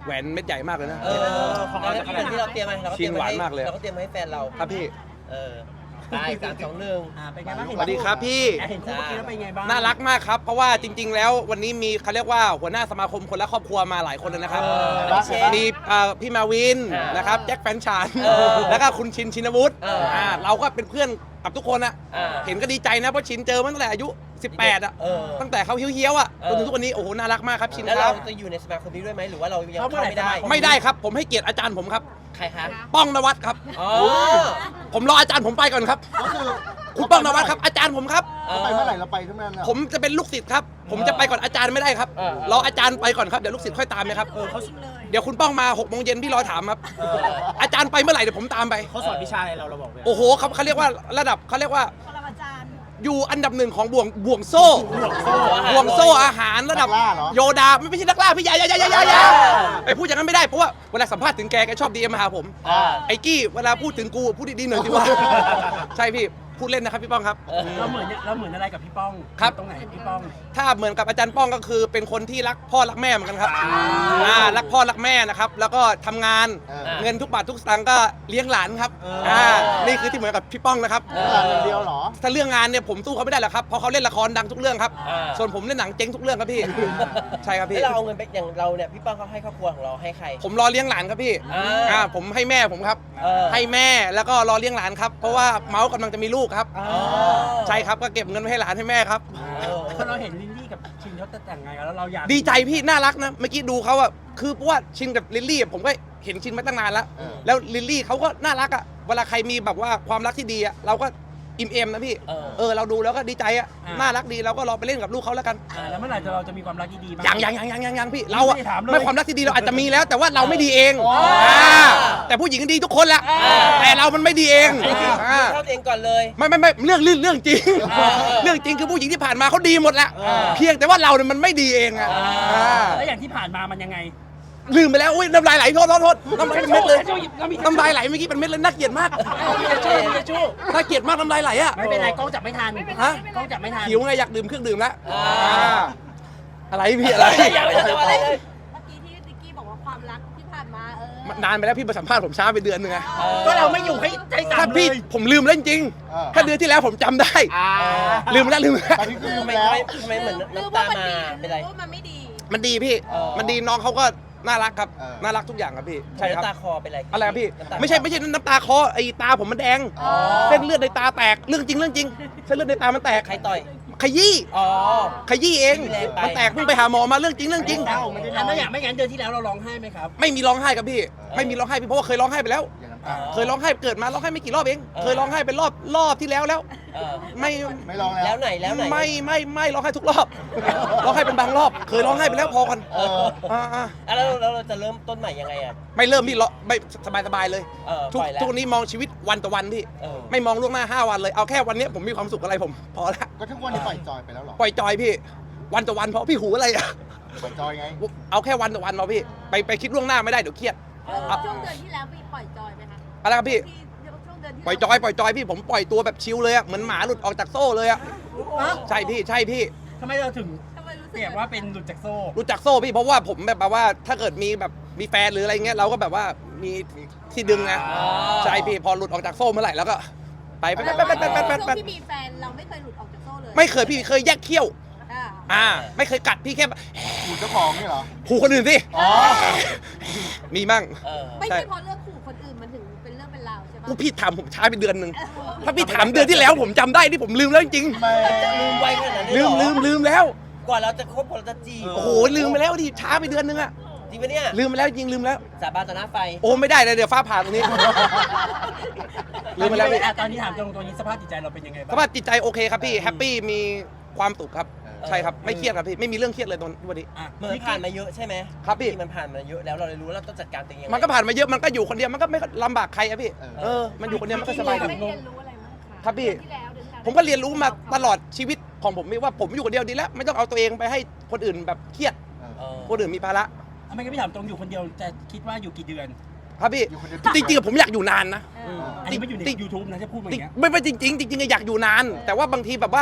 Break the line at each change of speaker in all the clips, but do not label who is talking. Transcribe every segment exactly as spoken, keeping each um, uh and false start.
แหวนเม็ดใหญ่มากเลยนะ
เออของเราเป็นที่เราเตรียมมาเราก็เตรียม
ชิ้นหวานมากเลย
เราก็เตรียมมาให้แฟนเรา
ครับพี่
เออได้สามสองหนึ่ง
อ่าเป็นไงบ้าง
สวัสดีครับพี่
เห็นคู่เมื่อกี้แล้วเป็นไงบ้าง
น่ารักมากครับเพราะว่าจริง ๆ แล้ววันนี้มีเขาเรียกว่าหัวหน้าสมาคมคนละครอบครัวมาหลายคนเลยนะครับ
เออพี่เชฟ
มีเอ่อพี่มาวิน
เออ
นะครับแจ็คแฟนฉัน
เออ
แล้วก็คุณชินชินวุฒิ
เอออ่
าเราก็เป็นเพื่อนกับทุกคนอะ
เออ
เห็นก็ดีใจนะเพราะชินเจอมาตั้งแต่อายุสิบแปดอะ
เออ
ตั้งแต่เขาเฮี้ยวๆอะ
เออ
จนถึงทุกวันนี้โอ้โหน่ารักมากครับชิน
แล้ว
ค
เรา
รับ
จะอยู่ในสมาคมนี้ด้วยไหมหรือว่าเรายัง
เข้า
เข้า
เมื่อไหร่
ไม่ได้
สมาค
ไม่ได้ครับผมให้เกียรติอาจารย์ผมครับ
ใครคะ
ป้องนวัดครับ
อ๋อ
ผมรออาจารย์ผมไปก่อนครับ
ก็คือ
คุณป้องนวัดครับอาจารย์ผมครับ
เราไปเมื่อไหร่เราไปทั้งนั้นน่ะ
ผมจะเป็นลูกศิษย์ครับ ผมจะไปก่อนอาจารย์ไม่ได้ครับ
เออ
รออาจารย์ไปก่อนครับ เดี๋ยวลูกศิษย์ค่อยตามไหมครับ
เออเขา
เดี๋ยวคุณป้องมาหกโมงเย็นพี่รอถามครับ
เออ
อาจารย์ไปเมื่อไหร่เดี๋ยวผมตามไป
เขาสอนวิชาอะไรเราเราบอกเลย
โอ้โหเขาเขาเรียกว่าระดับเขาเรียกว่าอยู่อันดับหนึ่งของบ่วงบ่วงโซ่ บ่วงโซ่อาหารระดับ
นักล่าเหรอ
โยดาไม่ไม่ใช่นักล่าพี่อยาอยาอยาอยาอยาอยาไปพูดอย่างนั้นไม่ได้เพราะว่าเวลาสัมภาษณ์ถึงแกแกชอบดีเอ็มมาหาผม
อ่า
ไอ้กี้เวลาพูดถึงกูพูดดีๆหน่อยสิว่า ใช่พี่พูดเล่นนะครับพี่ป้องครับ
เออ
เราเหมือนเราเหมือนอะไรกับพี่ป้อง
ครับ
ตรงไหนพี่ป้อง
ถ้าเหมือนกับอาจารย์ป้องก็คือเป็นคนที่รักพ่อรักแม่เหมือนกันครับอ่ารักพ่อรักแม่นะครับแล้วก็ทำงาน
เออ
เงินทุกบาททุกสตางค์ก็เลี้ยงหลานครับ
เอออ่
อ่านี่คือที่เหมือนกับพี่ป้องนะครับ
เออ
เวลาอย่างเดียวเหรอ
ถ้าเรื่องงานเนี่ยผมสู้เขาไม่ได้หรอกครับเพราะเขาเล่นละครดังทุกเรื่องครับ
อ่า
ส่วนผมเล่นหนังเจ๊งทุกเรื่องครับพี่ ใช่ครับพี่
แล้วเราเอาเงินไปอย่างเราเนี่ยพี่ป้องเขาให้ครอบครัวของเราให้ใคร
ผมรอเลี้ยงหลานครับพี่
อ่า
อ่าผมให้แม่ผมครับ
เออ
ให้แม่แล้วก็รอเลี้ยงหลานครับเพราะว่าเมาส์กำลังจะมีลูกครับ
อ๋อ
ใช่ครับก็เก็บเงินไว้ให้หลานให้แม่ครับ
เออ
พอเราเห็นลินลี่กับชินเขาแต่งงานกันแล้วเราอยาก
ดีใจพี่น่ารักนะเมื่อกี้ดูเขาอะคือเพราะว่าชินกับลิลลี่อะผมก็เห็นชินมาตั้งนานแล้ว
เออ
แล้วลิลลี่เขาก็น่ารักอะเวลาใครมีแบบว่าความรักที่ดีอะเราก็อิ่มเอมนะพี่
เออ
เออเราดูแล้วก็ดีใจอะน่ารักดีเราก็รอไปเล่นกับลูกเขาแล้วกัน
อ่าแล้วเมื่อไหร่จะเราจะมีความรักที่ดีบ้าง
ยังยังยังยังยังยังพี่เราอะ
ไม่ได้ถามเลย
ไม่ความรักที่ดีเราอาจจะมีแล้ว แต่ว่าเราไม่ดีเอง
อ๋อ
าแต่ผู้หญิงดีทุกคนแหละ
อ่า
แต่เรามันไม่ดีเอง
อันนี้คือ
อ่า
เข้าตัวเองก่อนเลย
ไม่ไม่ไม่เรื่องเรื่องเรื่องจริง
อ่า
เรื่องจริงคือผู้หญิงที่ผ่านมาเขาดีหมดแหละ
อ่า
เพียงแต่ว่าเราเนี่ยมันไม่ดีเองอะ
อ่า
อ่า
แล้วอย่างที่ผ่านมามันยังไง
ลืมไปแล้วอุ้ยน้ำลายไหลโทษโทษโทษน้ำลายเป็นเม็ดเลย
เรามี
น้ำลายไหลเมื่อกี้เป็นเม็ดเลยน่าเกลียดมาก
มีกระชู้มีกระชู้
น่าเกลียดมากน้ำลายไหลอะ
ไม่เป็นไรกล้องจับไม่ทัน
ฮะ
กล้องจับไม่ทัน
หิวไงอยากดื่มเครื่องดื่มแล้ว
อ่า
อ่าอะไรพี่อะไร
อย่าไปทำอะไรเลย
เมื่อกี้ที่ติ๊กกี้บอกว่าความรักที่ผ่านมาเออ
นานไปแล้วพี่มาสัมภาษณ์ผมช้าไปเดือนหนึงไง
เออ
ก็เราไม่อยู่ให้ใจสั่
ถ้าน
เล
พี่
ย
ผมลืมแล้วจริง
เออ
ๆถ้าเดือนที่แล้วผมจำได้
อ่า
ลืมไปแล้วลืมไปแล้ว
ตอนนี้คือ
ทำไม
แล้ว
ทำไมเหมือน
หรือ
น้ำ
ว่า
ตา
มัน
มา
ดีห
เป็น
รื
ไร
อว่ามันไม่ดี
มันดีพี่
อ๋อ
มันดีน้องเขาก็น่ารักครับ
เออ
น่ารักทุกอย่างครับพี่ใช่ครับ
น้ำตาคอเป็นไร
อะไรครับพี่
น้ำตาคอ
ไม่ใช่ไม่ใช่น้ำตาคอไอ้ตาผมมันแดง
อ๋อ
เส้นเลือดในตาแตกเรื่องจริงเรื่องจริงเส้นเลือดในตามันแตก
ใครต่อย
ขยี้
อ๋อ
ขยี้เอง
แรงไป
มันแตกเพิ่งไปหาหมอมาเรื่องจริงเรื่องจริง
เอ้าไม่ได้ร้องอย่างไม่งั้นเดือนที่แล้วเราร้องไห้ไหมครับ
ไม่มีร้องไห้ครับพี่ ไม่มีร้องไห้พี่เพราะว่าเคยร้องไห้ไปแล้ว
อย่างน้ำตา
เคยร้องไห้เกิดมาร้องไห้ไม่กี่รอบเอง
เออ
เคยร้องไห้เป็นรอบรอบที่แล้วแล้ว
เออ
ไม่
ไม่ลองแล้ว
แล้วไหนแล้วไหน
ไม่ไม่ไม่ร้องไห้ทุกรอบ ร้องไห้เป็นบางรอบ เคยร้องไห้ไปแล้วพอกัน
เออ
อ่าอ่า
อ่ะแล้วแล้วเราจะเริ่มต้นใหม่ยังไงอ่ะ
ไม่เริ่มพี่ร้องไม่สบายสบายๆเลย
เออ
ทุก
ปล่อยแล้ว
ทุกวันนี้มองชีวิตวันต่อวันพี่
เออ
ไม่มองล่วงหน้าห้าวันเลยเอาแค่วันเนี้ยผมมีความสุขอะไรผมพอละ
ก็ทุกวันนี้ปล่อยจอยไปแล้วเหรอ
ปล่อยจอยพี่ วันต่อวันเพราะพี่หูอะไรอะ
ปล่อยจอยไง
เอาแค่วันต่อวันเราพี่ไปไปคิดล่วงหน้าไม่ได้เดี๋ยวเครียด
เออช่วงเดือนที่แล้วมีปล่อยจอยไหมคะ
อะไรครับพี่
ที่ช่วงเดือนที่
ปล่อยจอยปล่อยจอยพี่ผมปล่อยตัวแบบชิลเลยอะเหมือนหมาหลุดออกจากโซ่เลยอะใช่พี่ใช่พี่
ทำไมเราถึง
ทำไมรู้สึก
เปรียบว่าเป็นหลุดจากโซ่
รู้จักโซ่พี่เพราะว่าผมแบบว่าถ้าเกิดมีแบบมีแฟนหรืออะไรเงี้ยเราก็แบบว่ามีที่ดึงไง
อ๋อ
ใช่พี่พอหลุดออกจากโซ่เมื่อไหร่แล้วก็ไปไปไป
แต่
ไป
ว่า
ไปไปไป
ช่ว
ไป
งที่มีแฟนเราไม่เคยหลุดออกจากโซ่เลย
ไม่เคยพี่เคยแยกเขี้ยว
อ่า
อ่าไม่เคยกัดพี่แค่
อยู่เจ้าของนี่เหรอ
ขู่คนอื่นสิ
อ๋อ
มีมั่ง
เออ
ไม่ใช่เพราะเรื่องขู่คนอื่นมันถึงเป็นเรื่องเป็นราวใช่ปะ
กูพี่ถามผมช้าไปเดือนหนึ่งถ้าพี่ถามเดือนที่แล้วผมจำได้ที่ผมลืมแล้วจริง
ไม่
จะลืมไวขนาดนั้น
ๆ
เลย
ลื
เหร
ม
อ
ลืมลืมแล้ว
กว่าเราจะคบกว่าเราจะจีบ
โอ้โหลืมไปแล้วดิช้าไปเดือนนึงอะ
จริงปะเนี่ย
ลืมไปแล้วจริงลืมแล้ว
สาบานต่อหน้าไฟ
โอ้ไม่ได้เลยเดี๋ยวฟ้าผ่าตรงนี้ ลืมไปแล้วพี่
อ่ะตอนนี้ถามตรงตัวนี้สภาพจิตใจเราเป็นยังไง
ส
บ้าง
ภาพจิตใจโอเคครับพี่แฮปปี้มีความสุขครับใช่ครับไม่เครียดครับพี่ไม่มีเรื่องเครียดเลยตอนวันนี้
อ่ะ
เหมือนผ่านมาเยอะใช่ไหม
ครับพี่
ที่มันผ่านมาเยอะแล้วเราเลยรู้ว่าเราต้องจัดการตัวเองยังไง
มันก็ผ่านมาเยอะมันก็อยู่คนเดียวมันก็ไม่ลำบากใครอะพี่
เออ
เออมันอยู่คนเดียวมันก็สบายดี
ได้เรียนรู้อะไรบ้างคะ
ครับพี่
เดือนที่แล้วเดือนที่แล้ว
ผมก็เรียนรู้มาตลอดชีวิตของผมว่าผมอยู่คนเดียวดีแล้วไม่ต้องเอาตัวเองไปให้คนอื่นแบบเครียด
เออ
คนอื่นมีภาระ
ทำไมก็ไม่ถามตรงอยู่คนเดียวจะคิดว่าอยู่กี่เดือน
ครับพี่
อยู่คนเดียว
จริงๆผมอยากอยู่นานนะ
เออ
อันนี้ไม่อยู่ใน
จริง
ยูทูบนะจะพูดมาอ
จริง
ย่างเงี้ย
ไม่ไม่จริงๆจริงๆอยากอยู่นาน แต่ว่าบางทีแบบว่า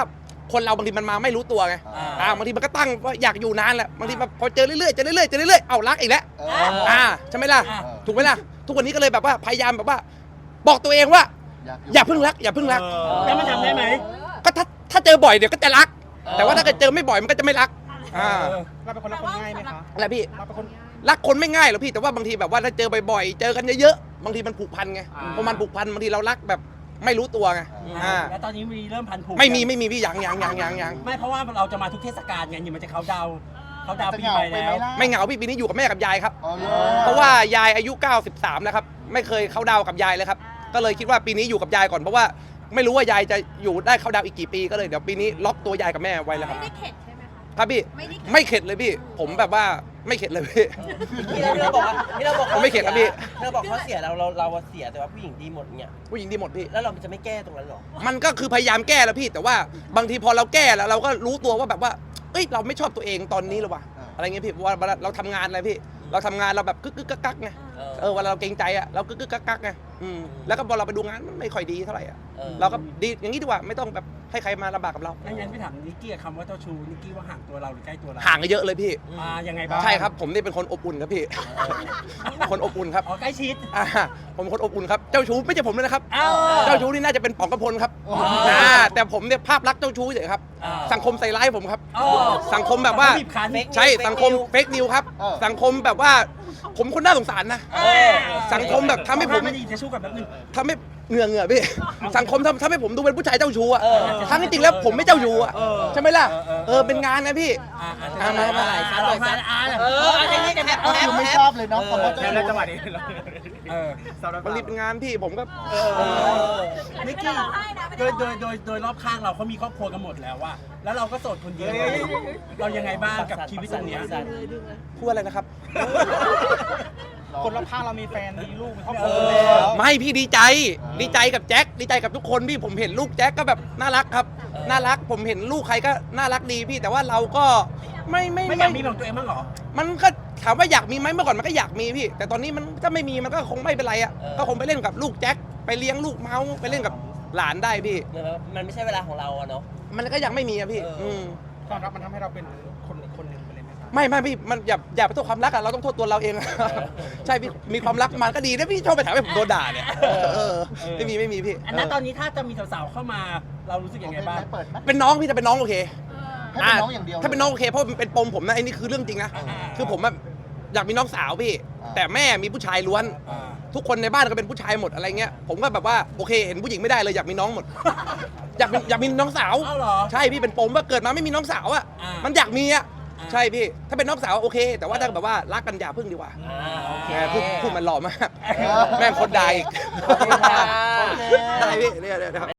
คนเราบางทีมันมาไม่รู้ตัวไง
อ่า
อ่าบางทีมันก็ตั้งว่าอยากอยู่นานแหละบางทีแบบพอเจอเรื่อยๆเจอเรื่อยๆเจอเรื่อยๆเอารักอีกแล้ว
เออ
อ่าใช่ไหมล่ะ
อ่า
ถูกไหมล่ะทุกวันนี้ก็เลยแบบว่าพยายามแบบว่า บอกตัวเองว่า
อยากอยู่
อย่าเพิ่งรัก อย่าเพิ่งรัก
แล้วมันทำได้ไหม
ก็ถ้าถ้าเจอบ่อยเดี๋ยวก็จะรัก แต่ว่าถ้าเกิดเจอไม่บ่อยมันก็จะไม่รักอ่า
เราเป็นคนรักคนง่ายไหมคะ
อะไรพี่
เราเป็นคน
รักคนไม่ง่ายหรอกพี่แต่ว่าบางทีแบบว่าถ้าเจอบ่อยๆเจอกันเยอะๆบางทีมันผูกพันไง
อ่า
พอมันผูกพันบางทีเรารักแบบไม่รู้ตัวไงอ่า
แล้วตอนนี้มีเริ่มพันผูก
ไม่มีไม่มีพี่ยังยังยังยังยัง
ไม่เพราะว่าเราจะมาทุกเทศกาลไงนี่มันจะเขาดาวน์เขาดาวน์ปีใหม่แล้ว
ไม่เหงาพี่ปีนี้อยู่กับแม่กับยายครับ
อ๋อเหรอ
เพราะว่ายายอายุเก้าสิบสามแล้วครับไม่เคยเข้าดาวกับยายเลยครับก็เลยคิดว่าปีนี้อยู่กับยายก่อนเพราะว่าไม่รู้ว่ายายจะอยู่ได้เข้าดาวอีกกี่ปีก็เลยเดี๋ยวปีนี้ล็อกตัวยายกับแม่ไว้แล้วครับ
ไม่ได้เข็ดใช่ไหมคะ
ครับพี่
ไม่ได้เข็ด
ไม่เข็ดเลยพี่ ผมแบบว่าไม่เข็ดเลยพี่
ที่เราที่เราบอกว่าที่เราบอก
ผมไม่เข็ดครับพี่
ที่เราบอกเขาเสียเราเราเราเสียแต่ว่าผู้หญิงดีหมดเนี่ย
ผู้หญิงดีหมดพี่
แล้วเราจะไม่แก้ตรงนั้นหรอ
มันก็คือพยายามแก้แล้วพี่ แต่ว่าบางทีพอเราแก้แล้วเราก็รู้ตัวว่าแบบว่าเอ้ยเราไม่ชอบตัวเองตอนนี้หรอวะอะไรเงี้ยพี่เพราะว่าเวลาเราทำงานอะไรพี่ เราทำงานเราแบบกึกกึกกักกักไง
เออ
เออเวลาเราเกรงใจอะเรากึกกึกกักกักไงอืมแล้วก็พอเราไปดูงานมันไม่ค่อยดีเท่าไหร่อะ
เออ
เราก็ดีอย่างนี้ดีกว่าไม่ต้องแบบให้ใครมาลำบากกับเรา
งั้นงั้นพี่ถามนิกกี้กับคำว่าเจ้าชู้นิกกี้ว่าห่างตัวเราหรือใกล้ตัวเรา
ห่างกันเยอะเลยพี่
อ่ายังไงบ้าง
ใช่ครับผมนี่เป็นคนอบอุ่นครับพี่ คนอบอุ่นครับ
อ๋อใกล้ชิด
อ่าผมเป็นคนอบอุ่นครับเจ้าชู้ไม่ใช่ผมเลยนะครับ
อ้าว
เจ้าชู้นี่น่าจะเป็นป๋องกระพลครับ
โอ้โห
อ่าแต่ผมเนี่ยภาพลักษณ์เจ้าชู้เฉยครับ
อ่า
สังคมใส่ร้ายผมครับ
อ๋อ
สังคมแบบว่า
บีบคั้น
ใช่สังคมเฟกนิวครับ
เออ
สังคมแบบว่าผมคนน่าสงสารนะ
เออ
สังคมแบบทำให้ผม
ไม่ได้ยินจะชู้กับแบบนึง
ทำให้เหงื่อเหงื่อพี่ สังคมทำทำให้ผมดูเป็นผู้ชายเจ้าชู้อะ
เออ
ทั้งที่จริงแล้วผมไม่เจ้าชู้อะ
เออ
ใช่ไหมล่ะ
เออเออ
เออเป็นงานนะพี่
อ่าอ่า
อ่ามามา
อ่าลองมาอ่า
เอออะไรเงี้ยกันแอป
ก็
แอ
คื
ป
อไม่
แอ
ชอบ
ป
เลยเนาะคำว่าเจ้า
แล้ว
ชู้
จังหวะนี้เรา
เออ
สำหรับบ
างทีเป็นงานพี่ผมก็
เออ
นิกกี้โดยโดยโดยโดยรอบข้างเราเขามีครอบครัวกันหมดแล้วว่าแล้วเราก็โสดคนเดียวเรายังไงบ้างกับชีวิตตรงเนี้ย
พูดอะไรนะครับ
คนรอบข้างเรามีแฟนมีลูกมีครอบค
เอ
รัว
อ
แล้ว
ไม่พี่ดีใจ ดีใจกับแจ็คดีใจกับทุกคนพี่ผมเห็นลูกแจ็คก็แบบน่ารักครับ น่ารักผมเห็นลูกใครก็น่ารักดีพี่แต่ว่าเราก็ไม่ไม่
ไม่อยากมีของตัวเองบ้างเหรอ
มันก็ถามว่าอยากมีไหมเมื่อก่อนมันก็อยากมีพี่ แต่ตอนนี้มันถ้าไม่มีมันก็คงไม่เป็นไรอ่ะ
เออ
ก็คงไปเล่นกับลูกแจ็คไปเลี้ยงลูกเมาส์ไปเล่นกับหลานได้พี่
เหมือนว่ามันไม่ใช่เวลาของเราอะเนาะ
มันก็ยังไม่มีอะพี่
เอออื
ม
ความรักมันทำให้เราเป็นคนอีกคนหนึ่งไปเลยไหมครับ
ไม่ไม่พี่มันอย่าอย่าไปโทษความรักอะเราต้องโทษตัวเราเอง ใช่พี่มีความรักมันก็ดีนะพี่ชอบไปถามให้ผมโดนด่าเนี่ยเออไม่มีไม่มีพี่
อันนั้นตอนนี้ถ้าจะมีสาวๆเข้ามาเรารู้สึกยังไงบ้าง
เปิดไหม
เป็นน้องพี่จะเป็นน้องโอเค
ให้เป็นน้องอย่างเดียว
ถ้าเป็นน้องโอเคเพราะมันเป็นปมผมนะไอ้นี่คือเรื่องจริงนะ
อ่า
คือผมอะอยากมีน้องสาวพี่
อ่า
แต่แม่มีผู้ชายล้วน
อ่า
ทุกคนในบ้านก็เป็นผู้ชายหมดอะไรเงี้ยผมก็แบบว่าโอเคเห็นผู้หญิงไม่ได้เลยอยากมีน้องหมด อยากมีอยากมีน้องสาว
เอ้าเหรอ
ใช่พี่เป็นปมว่าเกิดมาไม่มีน้องสาวอ่ะ
อ่ามั
มันอยากมีอ่ะ
อ่า
ใช่พี่ถ้าเป็นน้องสาวโอเค แต่ว่าถ้าแบบว่ารักกันอย่าพึ่งดีกว่า
อ่าโอเค
แหมพูดพูดมันหล่อมาก
เออ
แม่งคนใดอีก
โอเคค่ะ
ได้พี่เนี่ยเนี่ย